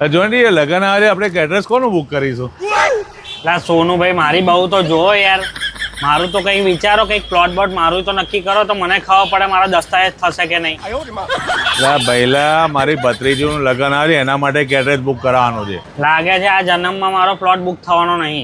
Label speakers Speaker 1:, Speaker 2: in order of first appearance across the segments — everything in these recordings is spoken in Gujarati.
Speaker 1: જો ને લગન આવે આપણે કેટરર્સ કોનું બુક કરીશું?
Speaker 2: લા સોનુભાઈ મારી બહુ તો જો યાર, મારું તો કંઈક વિચારો, કંઈક પ્લોટ બોટ મારું તો નક્કી કરો તો મને ખબર પડે મારા દસ્તાવેજ થશે કે નહીં.
Speaker 1: ભઈલા મારી ભત્રીજીનું લગન આવે એના માટે કેટરર્સ બુક કરાવવાનું છે.
Speaker 2: લાગે છે આ જન્મમાં મારો પ્લોટ બુક થવાનો નહીં.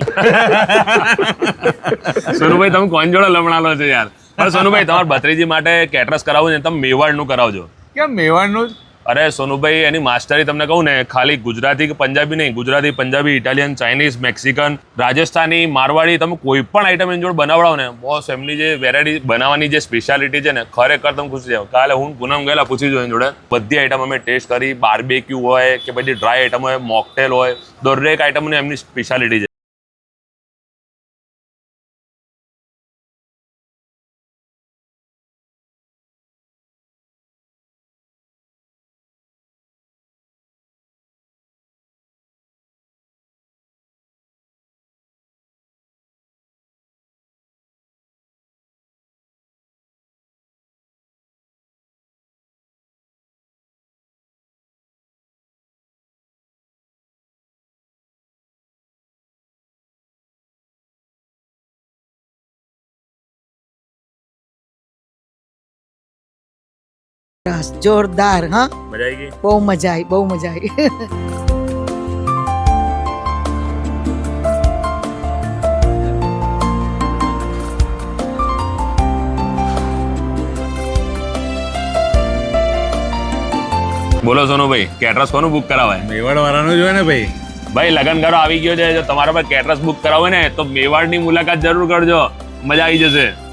Speaker 3: સોનુભાઈ તમે કોણ જોડે લમણાલો છે યાર? પણ સોનુભાઈ તમારા ભત્રીજી માટે કેટરર્સ કરાવવું છે તમે મેવાડનું કરાવજો.
Speaker 1: કેમ મેવાડનું?
Speaker 3: અરે સોનુભાઈ એની માસ્ટરી તમને કહું ને, ખાલી ગુજરાતી કે પંજાબી નહીં, Gujarati, Punjabi, Italian, Chinese, Mexican, Rajasthani, Marwari, તમે કોઈ પણ આઈટમ એની જોડે બનાવડાવો ને બોસ, એમની જે વેરાયટી બનાવવાની જે સ્પેશિયાલિટી છે ને, ખરેખર તમે ખુશી જાવ. કાલે હું પૂનમ ગયેલા પૂછી જો એની જોડે, બધી આઈટમ અમે ટેસ્ટ કરી. બાર્બેક્યુ હોય કે બધી ડ્રાય આઈટમ હોય, મોકટેલ હોય, દરેક આઈટમની એમની સ્પેશિયાલિટી છે.
Speaker 4: જોરદાર. હા,
Speaker 3: મજા આવી ગઈ?
Speaker 4: બહુ મજા આવી, બહુ મજા આવી.
Speaker 3: બોલો સોનુભાઈ, કેટરર્સ કોનું બુક કરાવાય?
Speaker 1: મેવાડ વાળાનું જોઈએ ને ભાઈ.
Speaker 3: ભાઈ લગન ગાળો આવી ગયો છે, જો તમારા પર કેટરર્સ બુક કરાવે ને તો મેવાડની મુલાકાત જરૂર કરજો, મજા આવી જશે.